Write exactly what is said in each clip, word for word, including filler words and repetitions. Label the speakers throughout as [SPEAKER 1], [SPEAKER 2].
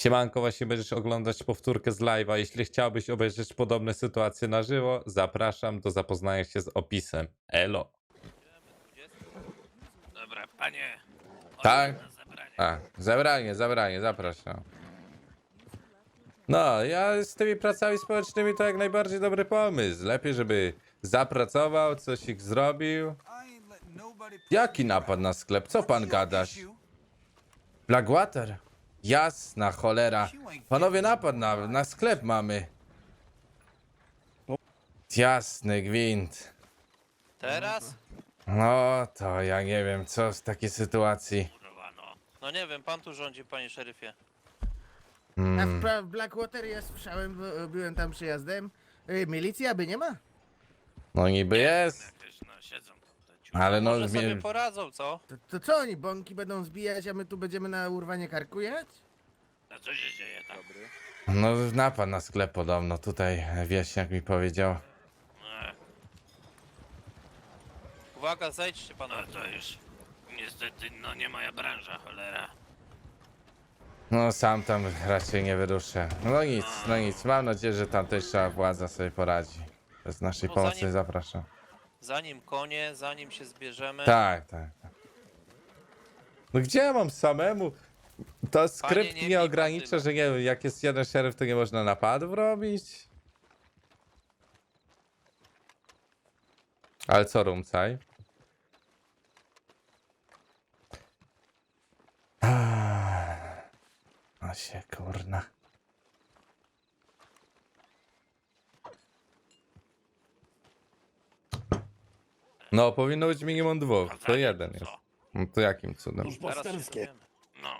[SPEAKER 1] Siemanko, właśnie będziesz oglądać powtórkę z live'a. Jeśli chciałbyś obejrzeć podobne sytuacje na żywo, zapraszam do zapoznania się z opisem. Elo.
[SPEAKER 2] Dobra, panie.
[SPEAKER 1] Tak?
[SPEAKER 2] Na zebranie.
[SPEAKER 1] A, zebranie, zebranie, zapraszam. No, ja z tymi pracami społecznymi to jak najbardziej dobry pomysł. Lepiej, żeby zapracował, coś ich zrobił. Jaki napad na sklep? Co pan gadasz? Blackwater? Jasna cholera. Panowie, napad na, na sklep mamy. Jasny gwint.
[SPEAKER 2] Teraz?
[SPEAKER 1] No, to ja nie wiem, co w takiej sytuacji.
[SPEAKER 2] Kurwa no. No nie wiem, pan tu rządzi, panie szeryfie.
[SPEAKER 3] A w,
[SPEAKER 1] Hmm.
[SPEAKER 3] pra- w Blackwater ja słyszałem, bo byłem tam przyjazdem. Y, Milicja by nie ma?
[SPEAKER 1] No niby jest,
[SPEAKER 2] Jakieś no siedzą tutaj. ciuchy.
[SPEAKER 1] ale no...
[SPEAKER 2] Może sobie
[SPEAKER 1] Mnie...
[SPEAKER 2] poradzą, co?
[SPEAKER 3] To, to co oni, bąki będą zbijać, a my tu będziemy na urwanie karku jechać?
[SPEAKER 2] A co się dzieje tam?
[SPEAKER 1] No napad na sklep podobno, tutaj wieśniak mi powiedział.
[SPEAKER 2] E. Uwaga, zejdźcie panowie. No to już niestety no nie moja branża, cholera.
[SPEAKER 1] No sam tam raczej nie wyruszę. No nic, no nic, mam nadzieję, że tamtejsza władza sobie poradzi. Bez naszej
[SPEAKER 2] No,
[SPEAKER 1] pomocy
[SPEAKER 2] zanim-
[SPEAKER 1] zapraszam.
[SPEAKER 2] Zanim konie, zanim się zbierzemy.
[SPEAKER 1] Tak, tak. tak. No gdzie ja mam samemu? To skrypt
[SPEAKER 2] nie
[SPEAKER 1] nie,
[SPEAKER 2] bij
[SPEAKER 1] ogranicza,
[SPEAKER 2] bandyta.
[SPEAKER 1] że nie wiem, jak jest jeden szeryf, to nie można napadów robić? Ale co, Rumcaj? A się kurna. No, powinno być minimum dwóch, to
[SPEAKER 2] Kazanie,
[SPEAKER 1] jeden
[SPEAKER 2] co?
[SPEAKER 1] jest. No to jakim cudem?
[SPEAKER 2] Teraz się dowiemy. No.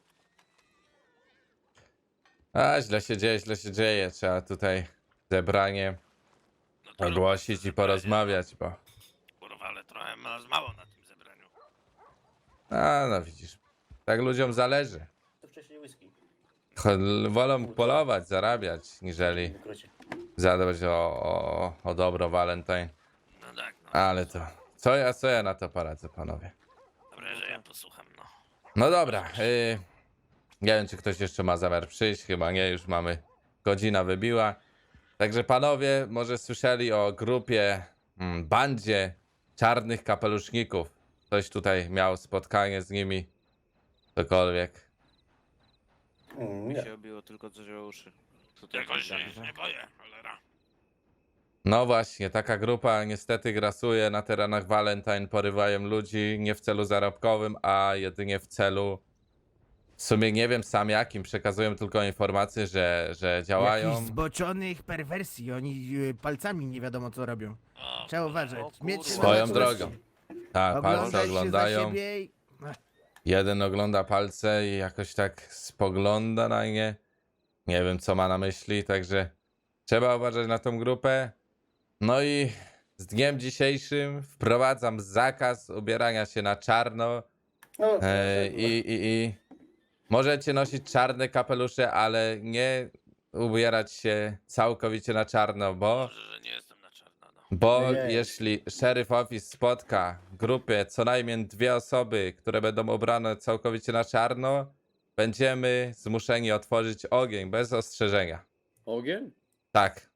[SPEAKER 1] A, źle się dzieje, źle się dzieje. Trzeba tutaj zebranie
[SPEAKER 2] no to
[SPEAKER 1] ogłosić i
[SPEAKER 2] zebranie,
[SPEAKER 1] porozmawiać, bo...
[SPEAKER 2] no. Kurwa, ale trochę nas mało na tym zebraniu.
[SPEAKER 1] A, no widzisz. Tak ludziom zależy.
[SPEAKER 4] To wcześniej whisky.
[SPEAKER 1] Cho- Wolą polować, zarabiać, niżeli
[SPEAKER 4] Wykrocie.
[SPEAKER 1] zadbać o, o, o dobro Valentine.
[SPEAKER 2] No tak, no.
[SPEAKER 1] Ale to... Co ja, co ja na to poradzę, panowie?
[SPEAKER 2] Dobra, że ja posłucham, no.
[SPEAKER 1] No dobra, y, nie wiem, czy ktoś jeszcze ma zamiar przyjść, chyba nie, już mamy, godzina wybiła. Także panowie, może słyszeli o grupie, mm, bandzie czarnych kapeluszników. Ktoś tutaj miał spotkanie z nimi, cokolwiek.
[SPEAKER 4] Mm,
[SPEAKER 5] Mi
[SPEAKER 4] nie.
[SPEAKER 5] się obiło tylko coś o uszy. Tutaj
[SPEAKER 2] Jakoś się
[SPEAKER 5] tak, że-
[SPEAKER 2] nie boję, cholera.
[SPEAKER 1] No właśnie, taka grupa niestety grasuje na terenach Valentine, porywają ludzi nie w celu zarobkowym, a jedynie w celu, w sumie nie wiem sam jakim, przekazują tylko informacje, że, że działają.
[SPEAKER 3] Jakichś zboczonych perwersji, oni y, palcami nie wiadomo co robią.
[SPEAKER 2] O,
[SPEAKER 3] Trzeba
[SPEAKER 2] kurwa,
[SPEAKER 3] uważać.
[SPEAKER 2] o
[SPEAKER 3] Mieć
[SPEAKER 2] kurwa.
[SPEAKER 1] Swoją
[SPEAKER 3] na
[SPEAKER 1] drogą.
[SPEAKER 3] czujności.
[SPEAKER 1] Tak, palce
[SPEAKER 3] Oglądać się za
[SPEAKER 1] oglądają.
[SPEAKER 3] siebie i...
[SPEAKER 1] Jeden ogląda palce i jakoś tak spogląda na nie. Nie wiem, co ma na myśli, także trzeba uważać na tą grupę. No i z dniem dzisiejszym wprowadzam zakaz ubierania się na czarno.
[SPEAKER 4] No,
[SPEAKER 1] E,
[SPEAKER 4] tak,
[SPEAKER 1] i, i, I możecie nosić czarne kapelusze, ale nie ubierać się całkowicie na czarno, bo,
[SPEAKER 2] Może, że nie jestem na czarno, no.
[SPEAKER 1] bo
[SPEAKER 4] Nie, nie.
[SPEAKER 1] jeśli Sheriff Office spotka w grupie co najmniej dwie osoby, które będą ubrane całkowicie na czarno, będziemy zmuszeni otworzyć ogień bez ostrzeżenia.
[SPEAKER 6] Ogień?
[SPEAKER 1] Tak.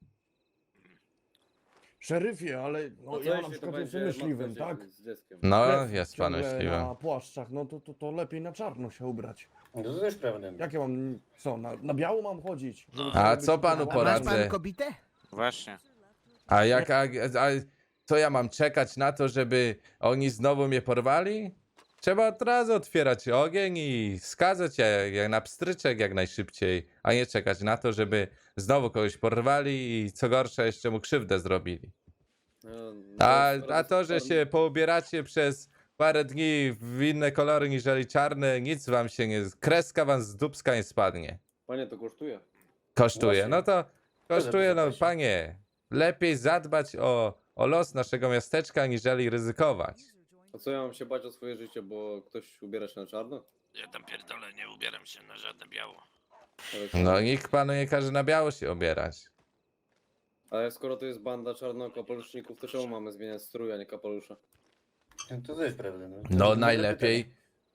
[SPEAKER 7] Szeryfie, ale no,
[SPEAKER 6] No to
[SPEAKER 7] ja na
[SPEAKER 6] jeśli to
[SPEAKER 7] przykład
[SPEAKER 6] będzie
[SPEAKER 7] jestem myśliwym,
[SPEAKER 6] matka
[SPEAKER 7] tak?
[SPEAKER 6] z dzieckiem.
[SPEAKER 1] No,
[SPEAKER 7] Krew
[SPEAKER 1] jest pan
[SPEAKER 7] ciągle
[SPEAKER 1] myśliwym.
[SPEAKER 7] na płaszczach, no to, to, to lepiej na czarno się ubrać.
[SPEAKER 4] No to też prawda.
[SPEAKER 7] Jak ja mam, co, na, na biało mam chodzić? Żeby
[SPEAKER 1] A
[SPEAKER 7] sobie
[SPEAKER 1] co
[SPEAKER 7] być
[SPEAKER 1] panu
[SPEAKER 7] ubrany?
[SPEAKER 3] Masz
[SPEAKER 1] poradzę?
[SPEAKER 3] pan kobitę?
[SPEAKER 5] Właśnie.
[SPEAKER 1] A jak, a, a co ja mam czekać na to, żeby oni znowu mnie porwali? Trzeba od razu otwierać ogień i skazać je jak na pstryczek jak najszybciej, a nie czekać na to, żeby znowu kogoś porwali i co gorsza jeszcze mu krzywdę zrobili.
[SPEAKER 6] No,
[SPEAKER 1] A,
[SPEAKER 6] no,
[SPEAKER 1] a to, że się poubieracie przez parę dni w inne kolory niżeli czarne, nic wam się nie... Kreska wam z dupska nie spadnie.
[SPEAKER 6] Panie, to kosztuje.
[SPEAKER 1] Kosztuje. No to kosztuje, no
[SPEAKER 4] zapłaci.
[SPEAKER 1] panie. Lepiej zadbać o, o los naszego miasteczka, niżeli ryzykować.
[SPEAKER 6] A co ja mam się bać o swoje życie, bo ktoś ubiera się na czarno?
[SPEAKER 2] Ja tam pierdolę, nie ubieram się na żadne biało.
[SPEAKER 6] Ale,
[SPEAKER 1] No nikt panu nie każe na biało się obierać.
[SPEAKER 6] ale skoro to jest banda czarnokapeluszników, to czemu mamy zmieniać strój, a nie kapelusza?
[SPEAKER 4] To też prawda. No,
[SPEAKER 1] No najlepiej,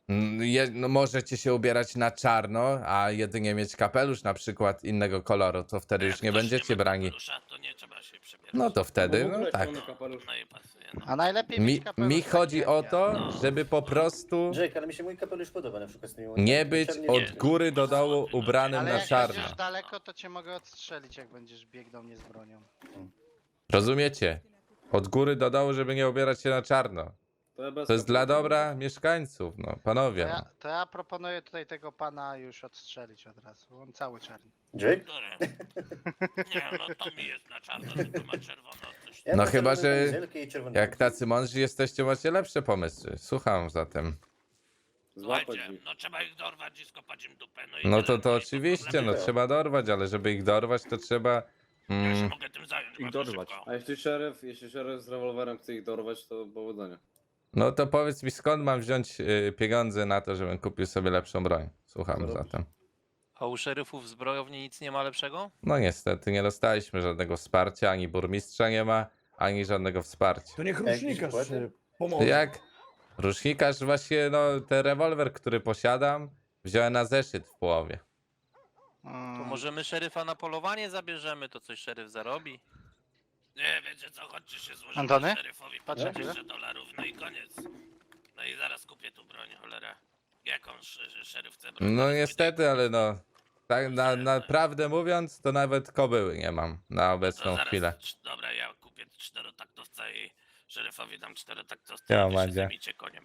[SPEAKER 1] Mm, Je, no możecie się ubierać na czarno, a jedynie mieć kapelusz na przykład innego koloru, to wtedy już
[SPEAKER 2] Jak
[SPEAKER 1] nie
[SPEAKER 2] ktoś
[SPEAKER 1] będziecie
[SPEAKER 2] ma
[SPEAKER 1] brani.
[SPEAKER 2] kapelusza, to nie trzeba się przebierać.
[SPEAKER 1] No to wtedy,
[SPEAKER 6] Bo w
[SPEAKER 1] no
[SPEAKER 6] ogóle
[SPEAKER 1] tak.
[SPEAKER 6] czarny kapelusz.
[SPEAKER 2] No i pasuje, no.
[SPEAKER 8] A najlepiej
[SPEAKER 1] Mi,
[SPEAKER 8] mieć kapelusz
[SPEAKER 1] mi
[SPEAKER 8] taki
[SPEAKER 1] chodzi
[SPEAKER 8] jak
[SPEAKER 1] o
[SPEAKER 8] ja.
[SPEAKER 1] to,
[SPEAKER 2] No.
[SPEAKER 1] żeby po prostu
[SPEAKER 4] Jake, ale mi się mój kapelusz podoba na przykład z tymi
[SPEAKER 1] nie
[SPEAKER 4] łapami.
[SPEAKER 1] być
[SPEAKER 4] Czarny
[SPEAKER 1] od
[SPEAKER 4] jest-
[SPEAKER 1] góry do dołu ubranym
[SPEAKER 8] Ale
[SPEAKER 1] na
[SPEAKER 8] jak
[SPEAKER 1] czarno.
[SPEAKER 8] będziesz daleko, to cię mogę odstrzelić, jak będziesz biegł do mnie z bronią.
[SPEAKER 1] Rozumiecie? Od góry do dołu, żeby nie ubierać się na czarno.
[SPEAKER 6] To, ja bez
[SPEAKER 1] To jest dla
[SPEAKER 6] kapelusza
[SPEAKER 1] dobra
[SPEAKER 6] będę.
[SPEAKER 1] mieszkańców, no
[SPEAKER 8] To
[SPEAKER 1] panowie.
[SPEAKER 8] ja,
[SPEAKER 1] No.
[SPEAKER 8] to ja proponuję tutaj tego pana już odstrzelić od razu. On cały czarny.
[SPEAKER 4] Jake?
[SPEAKER 2] Który? Nie, no to mi jest na czarno, tylko ma czerwono coś.
[SPEAKER 4] Ja
[SPEAKER 1] No
[SPEAKER 4] mam
[SPEAKER 1] chyba,
[SPEAKER 4] czerwoną
[SPEAKER 1] że
[SPEAKER 4] kamizelkę i czerwony
[SPEAKER 1] Jak
[SPEAKER 4] pas.
[SPEAKER 1] tacy mądrzy jesteście, macie lepsze pomysły. Słucham zatem.
[SPEAKER 6] Złapać
[SPEAKER 2] Słuchajcie,
[SPEAKER 6] ich.
[SPEAKER 2] no trzeba ich dorwać i skopać im dupę. No, i
[SPEAKER 1] No
[SPEAKER 2] tyle,
[SPEAKER 1] to to
[SPEAKER 2] i
[SPEAKER 1] oczywiście, no
[SPEAKER 2] problemu.
[SPEAKER 1] trzeba dorwać, ale żeby ich dorwać, to trzeba...
[SPEAKER 2] Ja się
[SPEAKER 1] Mm,
[SPEAKER 2] mogę tym zająć
[SPEAKER 9] Ich
[SPEAKER 2] bardzo
[SPEAKER 9] dorwać.
[SPEAKER 2] szybko.
[SPEAKER 6] A jeśli szeryf, jeśli szeryf z rewolwerem chce ich dorwać, to powodzenia.
[SPEAKER 1] no to powiedz mi, skąd mam wziąć y, pieniądze na to, żebym kupił sobie lepszą broń. Słucham
[SPEAKER 6] Co
[SPEAKER 1] zatem.
[SPEAKER 9] A u szeryfów w zbrojowni nic nie ma lepszego?
[SPEAKER 1] No niestety, nie dostaliśmy żadnego wsparcia, ani burmistrza nie ma, ani żadnego wsparcia.
[SPEAKER 7] To niech
[SPEAKER 4] jakieś
[SPEAKER 7] rusznikarz
[SPEAKER 4] wpłaty?
[SPEAKER 7] się pomoże.
[SPEAKER 1] Jak rusznikarz właśnie, no ten rewolwer, który posiadam, wziąłem na zeszyt w połowie.
[SPEAKER 9] To
[SPEAKER 8] Mm,
[SPEAKER 9] możemy szeryfa na polowanie zabierzemy, to coś szeryf zarobi.
[SPEAKER 2] Nie, wiecie co, chodźcie się złożymy
[SPEAKER 8] Antony?
[SPEAKER 2] szeryfowi po
[SPEAKER 8] Patrz, jak
[SPEAKER 2] dwieście dolarów, no i koniec. No i zaraz kupię tu broń, cholera. Jaką sz- szeryf chce broń?
[SPEAKER 1] No
[SPEAKER 2] Zaraz
[SPEAKER 1] niestety,
[SPEAKER 2] pójdę-
[SPEAKER 1] ale no... Tak na, naprawdę mówiąc, to nawet kobyły nie mam na
[SPEAKER 2] To
[SPEAKER 1] obecną
[SPEAKER 2] zaraz,
[SPEAKER 1] chwilę.
[SPEAKER 2] cz- Dobra, ja kupię czterotaktowca i szeryfowi dam czterotaktowca
[SPEAKER 1] Ja,
[SPEAKER 2] i wy się
[SPEAKER 1] Madzia.
[SPEAKER 2] zajmijcie koniem.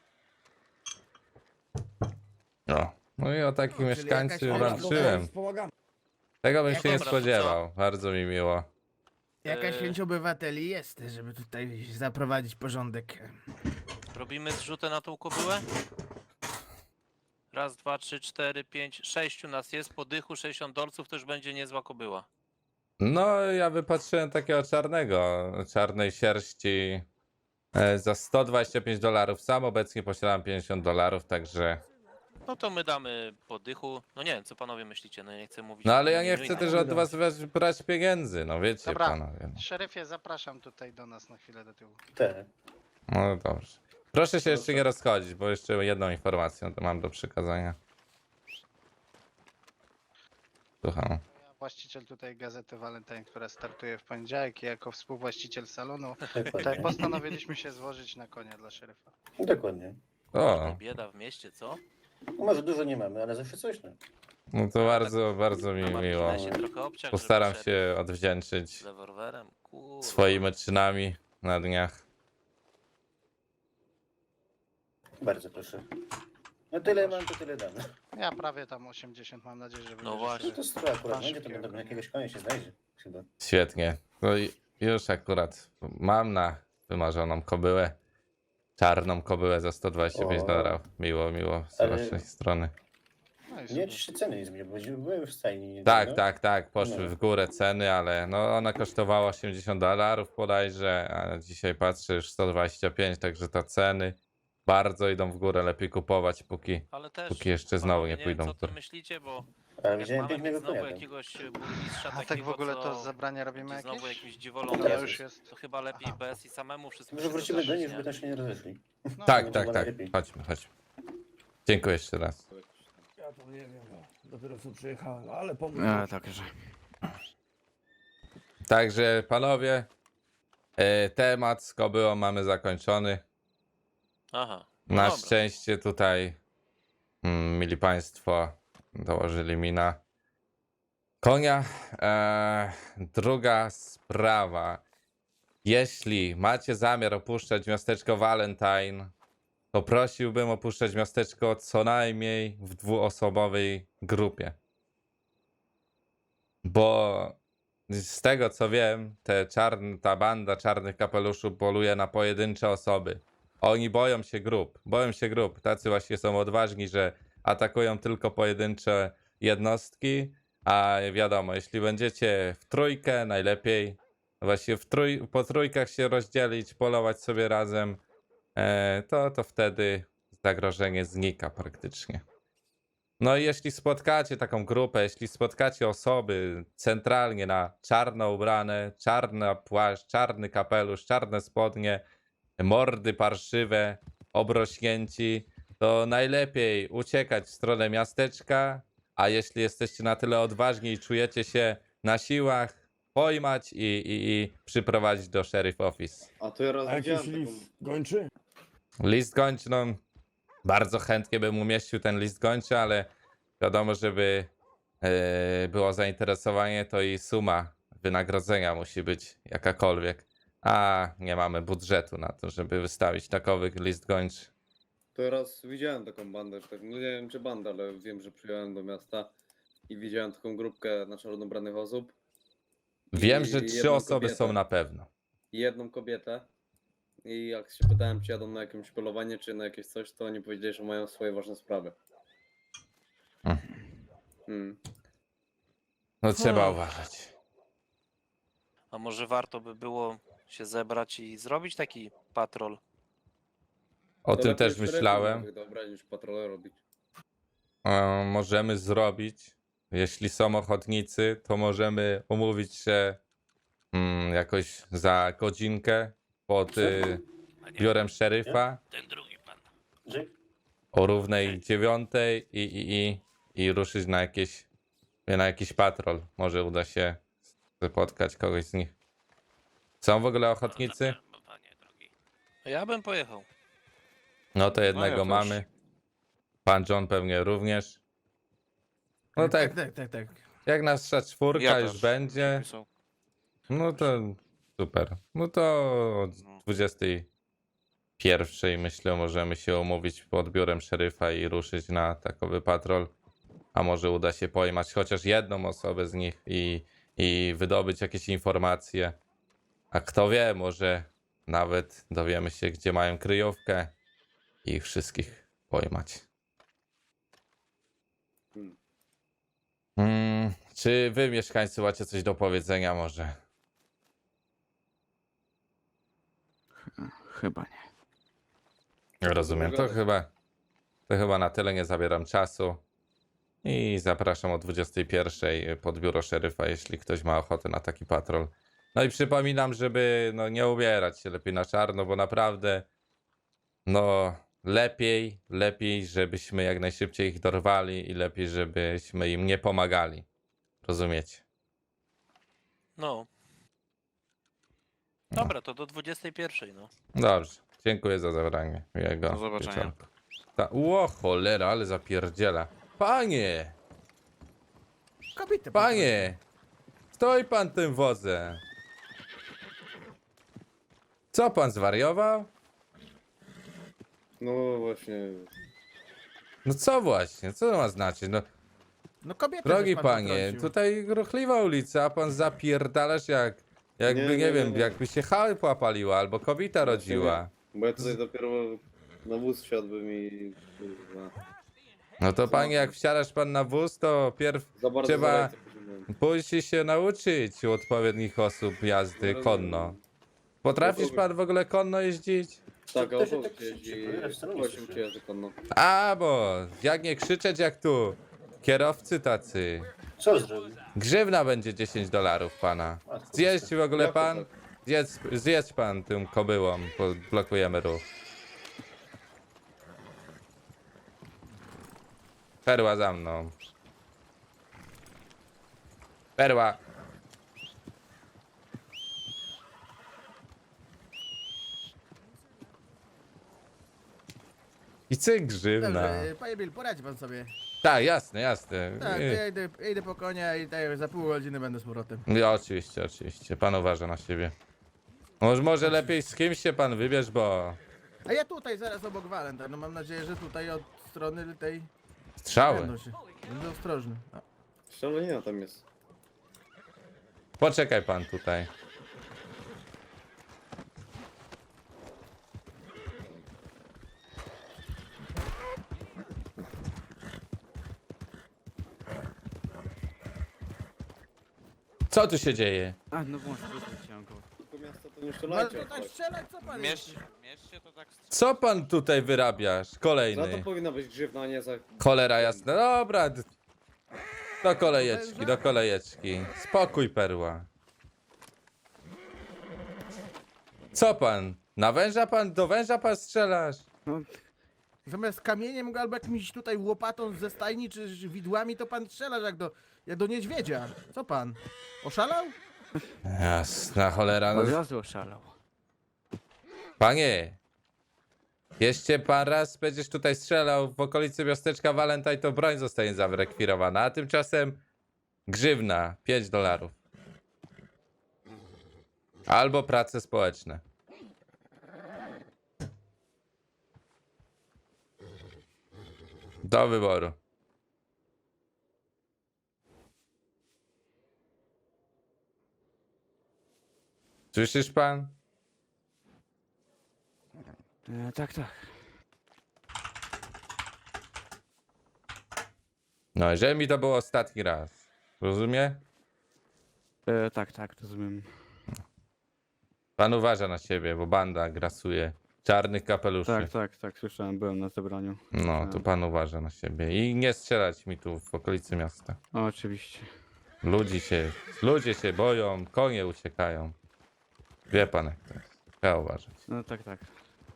[SPEAKER 1] No. No i o takich
[SPEAKER 3] czyli
[SPEAKER 1] mieszkańców
[SPEAKER 3] jakaś-
[SPEAKER 1] walczyłem.
[SPEAKER 7] Wspomagamy.
[SPEAKER 1] Tego bym się
[SPEAKER 3] Jaką
[SPEAKER 1] nie
[SPEAKER 9] pracę,
[SPEAKER 1] spodziewał. Bardzo mi miło.
[SPEAKER 3] Jakaś
[SPEAKER 9] Eee.
[SPEAKER 3] chęć obywateli jest, żeby tutaj zaprowadzić porządek.
[SPEAKER 9] Robimy zrzutę na tą kobyłę? Raz, dwa, trzy, cztery, pięć, sześciu nas jest, po dychu sześćdziesiąt dolców to już będzie niezła kobyła.
[SPEAKER 1] No, ja wypatrzyłem takiego czarnego, czarnej sierści e, za sto dwadzieścia pięć dolarów. Sam obecnie posiadam pięćdziesiąt dolarów, także...
[SPEAKER 9] No to my damy po dychu. No nie wiem, co panowie myślicie, no ja nie chcę mówić.
[SPEAKER 1] No
[SPEAKER 9] o
[SPEAKER 1] ale ja nie
[SPEAKER 9] imieniu
[SPEAKER 1] chcę
[SPEAKER 9] innych.
[SPEAKER 1] też od was weź- brać pieniędzy, no wiecie
[SPEAKER 8] Dobra.
[SPEAKER 1] panowie. No.
[SPEAKER 8] Szeryfie, zapraszam tutaj do nas na chwilę do tyłu.
[SPEAKER 4] Tak.
[SPEAKER 1] No dobrze. Proszę się jeszcze nie rozchodzić, bo jeszcze jedną informację mam do przekazania. Słucham.
[SPEAKER 8] Ja właściciel tutaj gazety Valentine, która startuje w poniedziałek i jako współwłaściciel salonu tutaj
[SPEAKER 4] Dokładnie.
[SPEAKER 8] postanowiliśmy się złożyć na konia dla szeryfa.
[SPEAKER 4] Dokładnie.
[SPEAKER 1] O,
[SPEAKER 9] Bieda w mieście, co?
[SPEAKER 4] No może dużo nie mamy, ale zawsze coś, no.
[SPEAKER 1] no to bardzo, bardzo mi
[SPEAKER 9] Na
[SPEAKER 1] miło.
[SPEAKER 9] marginesie trochę obciach,
[SPEAKER 1] Postaram
[SPEAKER 9] żeby
[SPEAKER 1] się odwdzięczyć
[SPEAKER 9] szeryf Z rewolwerem, kurwa.
[SPEAKER 1] swoimi czynami na dniach.
[SPEAKER 4] Bardzo proszę. No tyle mam, to tyle dam.
[SPEAKER 8] Ja prawie tam osiemdziesiąt mam nadzieję, że będzie
[SPEAKER 9] No właśnie.
[SPEAKER 4] No to sto akurat
[SPEAKER 8] Pan
[SPEAKER 4] będzie, to
[SPEAKER 8] szybkiego
[SPEAKER 4] będą
[SPEAKER 8] konia.
[SPEAKER 4] jakiegoś konia się znajdzie. Chyba.
[SPEAKER 1] Świetnie. No i już akurat mam na wymarzoną kobyłę. Czarną kobyłę za sto dwadzieścia pięć
[SPEAKER 4] O.
[SPEAKER 1] dolarów. Miło, miło z
[SPEAKER 4] Ale-
[SPEAKER 1] waszej strony.
[SPEAKER 8] No i
[SPEAKER 4] Nie,
[SPEAKER 8] super.
[SPEAKER 4] czy się ceny nie zmieniły, bo były w stajni. nie
[SPEAKER 1] Tak,
[SPEAKER 4] no.
[SPEAKER 1] tak, tak. Poszły
[SPEAKER 4] No.
[SPEAKER 1] w górę ceny, ale no ona kosztowała osiemdziesiąt dolarów bodajże, a dzisiaj patrzę już sto dwadzieścia pięć, także te ceny bardzo idą w górę. Lepiej kupować, póki,
[SPEAKER 9] Ale też,
[SPEAKER 1] póki jeszcze znowu
[SPEAKER 9] panowie,
[SPEAKER 1] nie
[SPEAKER 9] wiem,
[SPEAKER 1] pójdą
[SPEAKER 9] co
[SPEAKER 1] w
[SPEAKER 9] ty
[SPEAKER 1] górę.
[SPEAKER 9] myślicie, bo
[SPEAKER 4] Ale
[SPEAKER 9] jak
[SPEAKER 4] widziałem
[SPEAKER 9] mamy
[SPEAKER 4] pięknego
[SPEAKER 9] mieć znowu
[SPEAKER 4] konia tam.
[SPEAKER 9] jakiegoś e, burmistrza
[SPEAKER 8] A tak w
[SPEAKER 9] takiego,
[SPEAKER 8] ogóle
[SPEAKER 9] co
[SPEAKER 8] to zabrania robimy
[SPEAKER 9] będzie znowu
[SPEAKER 8] jakieś?
[SPEAKER 9] jakimś dziwolą,
[SPEAKER 8] To
[SPEAKER 4] Teraz
[SPEAKER 8] już
[SPEAKER 4] jest.
[SPEAKER 8] jest.
[SPEAKER 9] to chyba lepiej
[SPEAKER 8] Aha.
[SPEAKER 9] B S i samemu wszystko
[SPEAKER 4] Może
[SPEAKER 9] się
[SPEAKER 4] wrócimy do
[SPEAKER 9] dodarzyć,
[SPEAKER 4] nich, żeby
[SPEAKER 9] nie?
[SPEAKER 4] tam się nie rozeszli.
[SPEAKER 8] No,
[SPEAKER 1] Tak,
[SPEAKER 4] będzie
[SPEAKER 1] tak,
[SPEAKER 4] chyba
[SPEAKER 1] tak.
[SPEAKER 4] najlepiej.
[SPEAKER 1] Chodźmy, chodźmy. Dziękuję jeszcze raz.
[SPEAKER 7] Ja to nie wiem, no. Dopiero co przyjechałem, ale pomóż.
[SPEAKER 5] A, także.
[SPEAKER 1] Także panowie, e, temat z kobyłą mamy zakończony.
[SPEAKER 9] Aha. no
[SPEAKER 1] Na
[SPEAKER 9] dobra.
[SPEAKER 1] szczęście tutaj, mm, mili państwo, dołożyli mi na konia. E, druga sprawa. Jeśli macie zamiar opuszczać miasteczko Valentine, to prosiłbym opuszczać miasteczko co najmniej w dwuosobowej grupie. Bo z tego co wiem, te czarn, ta banda czarnych kapeluszy poluje na pojedyncze osoby. Oni boją się grup, boją się grup. Tacy właśnie są odważni, że atakują tylko pojedyncze jednostki, a wiadomo, jeśli będziecie w trójkę, najlepiej właśnie w trój, po trójkach się rozdzielić, polować sobie razem, e, to, to wtedy zagrożenie znika praktycznie. No i jeśli spotkacie taką grupę, jeśli spotkacie osoby centralnie na czarno ubrane, czarny płaszcz, czarny kapelusz, czarne spodnie, mordy parszywe, obrośnięci, to najlepiej uciekać w stronę miasteczka, a jeśli jesteście na tyle odważni i czujecie się na siłach, pojmać i, i, i przyprowadzić do sheriff office.
[SPEAKER 6] A to ja raz
[SPEAKER 7] A jakiś
[SPEAKER 6] widziałem taką...
[SPEAKER 7] list gończy?
[SPEAKER 1] List gończy, no bardzo chętnie bym umieścił ten list gończy, ale wiadomo, żeby e, było zainteresowanie, to i suma wynagrodzenia musi być jakakolwiek. A nie mamy budżetu na to, żeby wystawić takowy list gończy.
[SPEAKER 6] To ja raz widziałem taką bandę, że tak, no nie wiem czy bandę, ale wiem, że przyjechałem do miasta i widziałem taką grupkę na czarno ubranych osób.
[SPEAKER 1] Wiem,
[SPEAKER 6] I
[SPEAKER 1] że trzy
[SPEAKER 6] jedną
[SPEAKER 1] osoby są
[SPEAKER 6] kobietę.
[SPEAKER 1] na pewno.
[SPEAKER 6] I jedną kobietę. I jak się pytałem, czy jadą na jakieś polowanie, czy na jakieś coś, to oni powiedzieli, że mają swoje ważne sprawy.
[SPEAKER 1] Hmm.
[SPEAKER 6] Hmm.
[SPEAKER 1] No trzeba
[SPEAKER 9] Hmm.
[SPEAKER 1] uważać.
[SPEAKER 9] A może warto by było się zebrać i zrobić taki patrol?
[SPEAKER 1] O
[SPEAKER 6] To
[SPEAKER 1] tym
[SPEAKER 6] lepiej
[SPEAKER 1] też
[SPEAKER 6] szeryfów
[SPEAKER 1] myślałem.
[SPEAKER 6] nowych dobrać niż patrole robić.
[SPEAKER 1] E, możemy zrobić, jeśli są ochotnicy, to możemy umówić się mm, jakoś za godzinkę pod y,
[SPEAKER 2] A nie,
[SPEAKER 1] biurem szeryfa
[SPEAKER 2] ten drugi pan.
[SPEAKER 4] Żyk?
[SPEAKER 1] o równej dziewiątej i, i, i, i ruszyć na jakieś, na jakiś patrol. Może uda się spotkać kogoś z nich. Są w ogóle ochotnicy?
[SPEAKER 2] No, panie drogi.
[SPEAKER 9] Ja bym pojechał.
[SPEAKER 1] No to jednego
[SPEAKER 5] też.
[SPEAKER 1] mamy. Pan John pewnie również. No tak,
[SPEAKER 3] Tak, tak, tak.
[SPEAKER 1] jak nasza czwórka
[SPEAKER 5] Ja
[SPEAKER 1] już
[SPEAKER 5] też.
[SPEAKER 1] będzie,
[SPEAKER 5] Są.
[SPEAKER 1] no to super. No to o
[SPEAKER 5] No.
[SPEAKER 1] dwudziestej pierwszej myślę możemy się umówić pod biurem szeryfa i ruszyć na takowy patrol. A może uda się pojmać chociaż jedną osobę z nich i, i wydobyć jakieś informacje. A kto wie, może nawet dowiemy się, gdzie mają kryjówkę i ich wszystkich pojmać.
[SPEAKER 6] Hmm.
[SPEAKER 1] Mm, czy wy, mieszkańcy, macie coś do powiedzenia może?
[SPEAKER 10] Chyba nie.
[SPEAKER 1] Rozumiem, to
[SPEAKER 6] Pogadać.
[SPEAKER 1] chyba, to chyba na tyle, nie zabieram czasu. I zapraszam o dwudziestej pierwszej pod biuro szeryfa, jeśli ktoś ma ochotę na taki patrol. No i przypominam, żeby no, nie ubierać się lepiej na czarno, bo naprawdę no lepiej, lepiej, żebyśmy jak najszybciej ich dorwali i lepiej, żebyśmy im nie pomagali. Rozumiecie?
[SPEAKER 9] No. Dobra, to do dwudziestej pierwszej, no.
[SPEAKER 1] Dobrze, dziękuję za zabranie miłego
[SPEAKER 5] Do zobaczenia.
[SPEAKER 1] wieczorku. Ta, ło cholera, ale zapierdziela. Panie,
[SPEAKER 3] Kobiety.
[SPEAKER 1] panie, stoi pan tym wozem. Co pan zwariował?
[SPEAKER 6] No właśnie.
[SPEAKER 1] No co właśnie, co to ma znaczyć? No,
[SPEAKER 3] No kobiety.
[SPEAKER 1] drogi
[SPEAKER 3] żeś pan
[SPEAKER 1] panie,
[SPEAKER 3] potrącił.
[SPEAKER 1] tutaj ruchliwa ulica, a pan zapierdalasz jak, jakby, nie,
[SPEAKER 6] Nie, nie,
[SPEAKER 1] wiem,
[SPEAKER 6] nie, nie.
[SPEAKER 1] jakby się chałupła paliła, albo kobieta rodziła.
[SPEAKER 6] Bo ja tutaj dopiero na wóz wsiadłem i... kurwa,
[SPEAKER 1] No to panie, jak wsiadasz pan na wóz, to pierw
[SPEAKER 6] Za bardzo
[SPEAKER 1] Trzeba-
[SPEAKER 6] za ręce pociągnąłem.
[SPEAKER 1] musi się nauczyć u odpowiednich osób jazdy
[SPEAKER 6] Rozumiem.
[SPEAKER 1] konno. Potrafisz pan w ogóle konno jeździć?
[SPEAKER 6] Tak,
[SPEAKER 4] To
[SPEAKER 6] a
[SPEAKER 4] się
[SPEAKER 6] obok
[SPEAKER 4] tak
[SPEAKER 6] jeździ...
[SPEAKER 4] krzyczy, bo ja wcale nie
[SPEAKER 6] Właśnie
[SPEAKER 4] słyszę.
[SPEAKER 6] cię jazdy konno.
[SPEAKER 1] A, bo jak nie krzyczeć jak tu. Kierowcy tacy.
[SPEAKER 4] Co zrobił?
[SPEAKER 1] Grzywna będzie dziesięć dolarów pana. Zjeść w ogóle
[SPEAKER 6] Jak to
[SPEAKER 1] pan?
[SPEAKER 6] tak?
[SPEAKER 1] Zjedz, zjedz pan tym kobyłą, bo blokujemy ruch. Perła za mną. Perła. I cyk grzywna.
[SPEAKER 3] Dobrze, panie Bill, poradzi pan sobie.
[SPEAKER 1] Tak, jasne, jasne.
[SPEAKER 3] Tak, to
[SPEAKER 1] I-
[SPEAKER 3] ja idę, ja idę po konia i tak za pół godziny będę z powrotem.
[SPEAKER 1] Ja, oczywiście, oczywiście. Pan uważa na siebie. Może, może lepiej z kimś się pan wybierz, bo
[SPEAKER 3] A ja tutaj zaraz obok Walenta. No mam nadzieję, że tutaj od strony tej
[SPEAKER 1] strzały.
[SPEAKER 3] będą się. Będę ostrożny. No.
[SPEAKER 6] Strzelanina tam jest.
[SPEAKER 1] Poczekaj pan tutaj. Co tu się dzieje?
[SPEAKER 10] A, no właśnie, chciałem go.
[SPEAKER 6] Tylko miasto to nie
[SPEAKER 3] No ale
[SPEAKER 6] strzelajcie.
[SPEAKER 3] to tak
[SPEAKER 6] jak
[SPEAKER 3] strzelać, co pan
[SPEAKER 5] Mieście,
[SPEAKER 3] jest?
[SPEAKER 5] mieście to tak strzela.
[SPEAKER 1] Co pan tutaj wyrabiasz?
[SPEAKER 6] Za to
[SPEAKER 1] Kolejny.
[SPEAKER 6] powinna być grzywna, a nie za...
[SPEAKER 1] Cholera jasna. Dobra. d- Do kolejeczki, do kolejeczki. Spokój, perła. Co pan? Na węża pan, do węża pan strzelasz?
[SPEAKER 10] No,
[SPEAKER 3] Zamiast kamieniem go albo jakimś tutaj łopatą ze stajni czy widłami, to pan strzela jak do, jak do niedźwiedzia. Co pan? Oszalał?
[SPEAKER 1] Jasna cholera. No.
[SPEAKER 10] Od razu oszalał.
[SPEAKER 1] Panie, jeszcze pan raz będziesz tutaj strzelał w okolicy miasteczka Valentine, to broń zostanie zarekwirowana, a tymczasem grzywna pięć dolarów. Albo prace społeczne. Do wyboru. Słyszysz pan?
[SPEAKER 10] E, tak, tak.
[SPEAKER 1] No, i żeby mi to było ostatni raz. Rozumie?
[SPEAKER 10] E, tak, tak, rozumiem.
[SPEAKER 1] Pan uważa na siebie, bo banda grasuje. Czarnych kapeluszy.
[SPEAKER 10] Tak, tak, tak, słyszałem, byłem na zebraniu.
[SPEAKER 1] No, to pan uważa na siebie. I nie strzelać mi tu w okolicy miasta.
[SPEAKER 10] O, oczywiście.
[SPEAKER 1] Ludzi się, ludzie się boją, konie uciekają. Wie pan jak to jest. Trzeba uważać.
[SPEAKER 10] No tak, tak.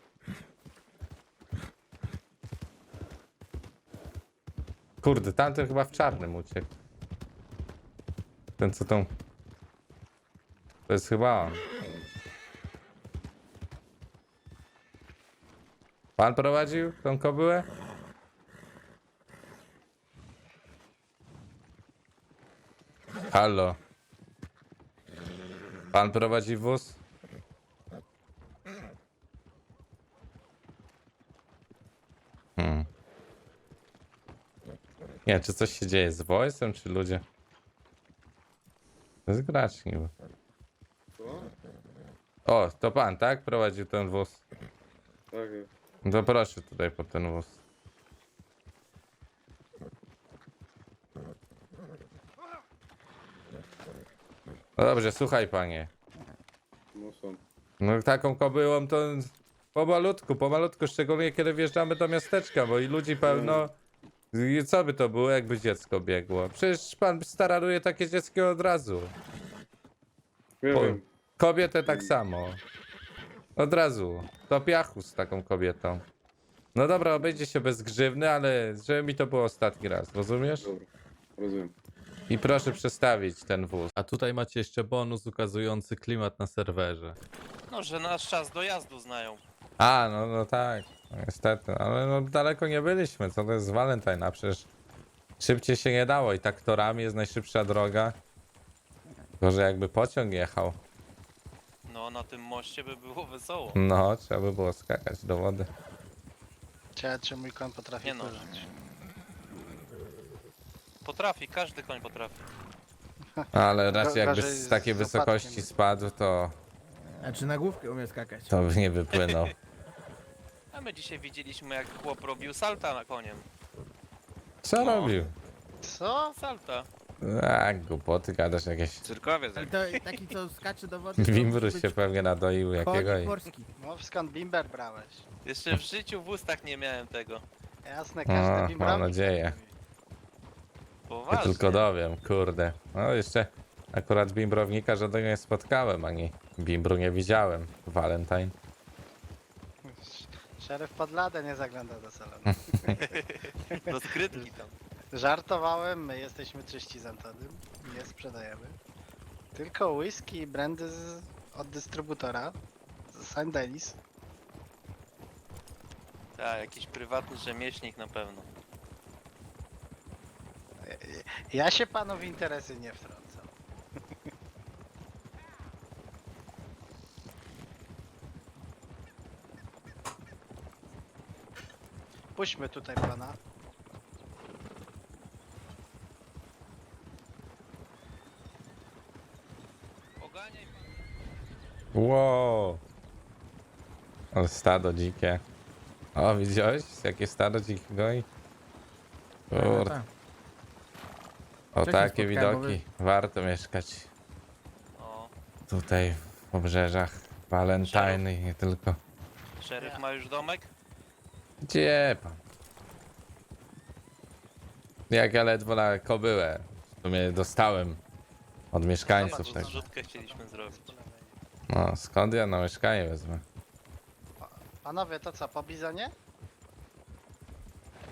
[SPEAKER 1] Kurde, tamten chyba w czarnym uciekł. Ten co tą... To jest chyba on. Pan prowadził tą kobyłę? Halo. Pan prowadzi wóz? Hmm. Nie wiem, czy coś się dzieje z voice'em, czy ludzie? To jest gracz niby.
[SPEAKER 6] Co?
[SPEAKER 1] O, to pan, tak? Prowadził ten wóz.
[SPEAKER 6] Tak,
[SPEAKER 1] No to proszę tutaj po ten wóz. No dobrze, słuchaj panie.
[SPEAKER 6] no są.
[SPEAKER 1] No taką kobyłą to pomalutku, pomalutku, szczególnie kiedy wjeżdżamy do miasteczka, bo i ludzi pełno. I co by to było, jakby dziecko biegło? Przecież pan stararuje takie dziecko od razu.
[SPEAKER 6] Nie
[SPEAKER 1] Po-
[SPEAKER 6] wiem.
[SPEAKER 1] Kobietę tak samo. Od razu. Do piachu z taką kobietą. No dobra, obejdzie się bez grzywny, ale żeby mi to było ostatni raz, rozumiesz?
[SPEAKER 6] Dobra, rozumiem.
[SPEAKER 1] I proszę przestawić ten wóz. A tutaj macie jeszcze bonus ukazujący klimat na serwerze.
[SPEAKER 9] No, że nasz czas dojazdu znają.
[SPEAKER 1] A, no, no tak, no, niestety, ale no daleko nie byliśmy, co to jest Valentine, a przecież szybciej się nie dało i tak torami jest najszybsza droga. Gorzej jakby pociąg jechał.
[SPEAKER 9] No, na tym moście by było wesoło.
[SPEAKER 1] No, trzeba by było skakać do wody.
[SPEAKER 8] Ciekawe, czy mój koń potrafi
[SPEAKER 9] Nie no.
[SPEAKER 8] pływać.
[SPEAKER 9] Potrafi, każdy koń potrafi.
[SPEAKER 1] Ale raczej jakby
[SPEAKER 8] gorzej
[SPEAKER 1] z
[SPEAKER 8] z
[SPEAKER 1] takiej
[SPEAKER 8] opadkiem.
[SPEAKER 1] wysokości spadł, to,
[SPEAKER 3] A czy na główkę umie skakać?
[SPEAKER 1] to by nie wypłynął.
[SPEAKER 9] A my dzisiaj widzieliśmy, jak chłop robił salta na koniem.
[SPEAKER 1] Co
[SPEAKER 9] No.
[SPEAKER 1] robił?
[SPEAKER 8] Co?
[SPEAKER 9] Salta.
[SPEAKER 1] A, głupoty gadasz jakieś.
[SPEAKER 5] Cyrkowiec.
[SPEAKER 3] I to taki, co skacze do wody. to
[SPEAKER 1] Wimbrus
[SPEAKER 3] musi
[SPEAKER 1] się
[SPEAKER 3] być
[SPEAKER 1] pewnie nadoił jakiego
[SPEAKER 3] konik
[SPEAKER 1] i...
[SPEAKER 3] morski.
[SPEAKER 8] Mów skąd bimber brałeś.
[SPEAKER 9] Jeszcze w życiu w ustach nie miałem tego.
[SPEAKER 8] Jasne,
[SPEAKER 1] A,
[SPEAKER 8] każdy
[SPEAKER 1] mam
[SPEAKER 8] bimbrownik.
[SPEAKER 1] nadzieję. Ja
[SPEAKER 9] Poważnie.
[SPEAKER 1] tylko dowiem, kurde. No jeszcze akurat bimbrownika żadnego nie spotkałem, ani bimbru nie widziałem. Valentine.
[SPEAKER 8] Szeryf pod ladę nie zagląda do salonu.
[SPEAKER 9] Do skrytki tam.
[SPEAKER 8] Żartowałem, my jesteśmy czyści z Antonym. Nie sprzedajemy. Tylko whisky i brandy z, od dystrybutora. Z Saint Denis.
[SPEAKER 9] Tak, jakiś prywatny rzemieślnik na pewno.
[SPEAKER 8] Ja się panu w interesy nie wtrącam. Puśćmy tutaj pana.
[SPEAKER 9] Oganiaj pan.
[SPEAKER 1] Wow. Ale stado dzikie. O, widziałeś? Jakie stado dzikich goi?
[SPEAKER 3] No,
[SPEAKER 1] Kurde.
[SPEAKER 3] tak.
[SPEAKER 1] O
[SPEAKER 3] Wcześniej
[SPEAKER 1] takie
[SPEAKER 3] spotkałem, bo
[SPEAKER 1] widoki. Warto mieszkać
[SPEAKER 9] O,
[SPEAKER 1] tutaj w obrzeżach Valentine i nie tylko.
[SPEAKER 9] szeryf ma już domek?
[SPEAKER 1] Gdzie pan? Jak ja ledwo na kobyłę. W sumie dostałem od mieszkańców
[SPEAKER 9] Zobacz,
[SPEAKER 1] tego.
[SPEAKER 9] zrzutkę chcieliśmy zrobić.
[SPEAKER 1] No, skąd ja na mieszkanie wezmę?
[SPEAKER 8] Panowie, to co, po bizonie?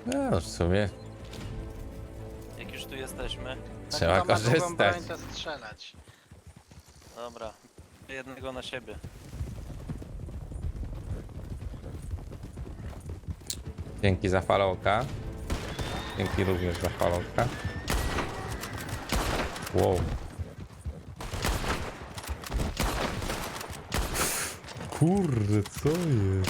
[SPEAKER 1] No, w sumie
[SPEAKER 9] Jak już tu jesteśmy.
[SPEAKER 1] trzeba
[SPEAKER 8] Kto ma długą
[SPEAKER 1] korzystać.
[SPEAKER 8] broń, to strzelać.
[SPEAKER 9] Dobra. Jednego na siebie.
[SPEAKER 1] Dzięki za followka. Dzięki również za followka. Wow. Kurde, co jest?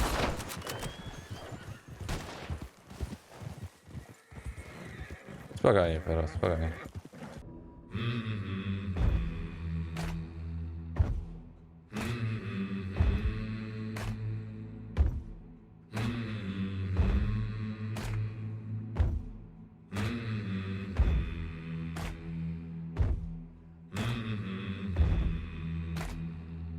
[SPEAKER 1] Spokojnie, teraz, spokojnie.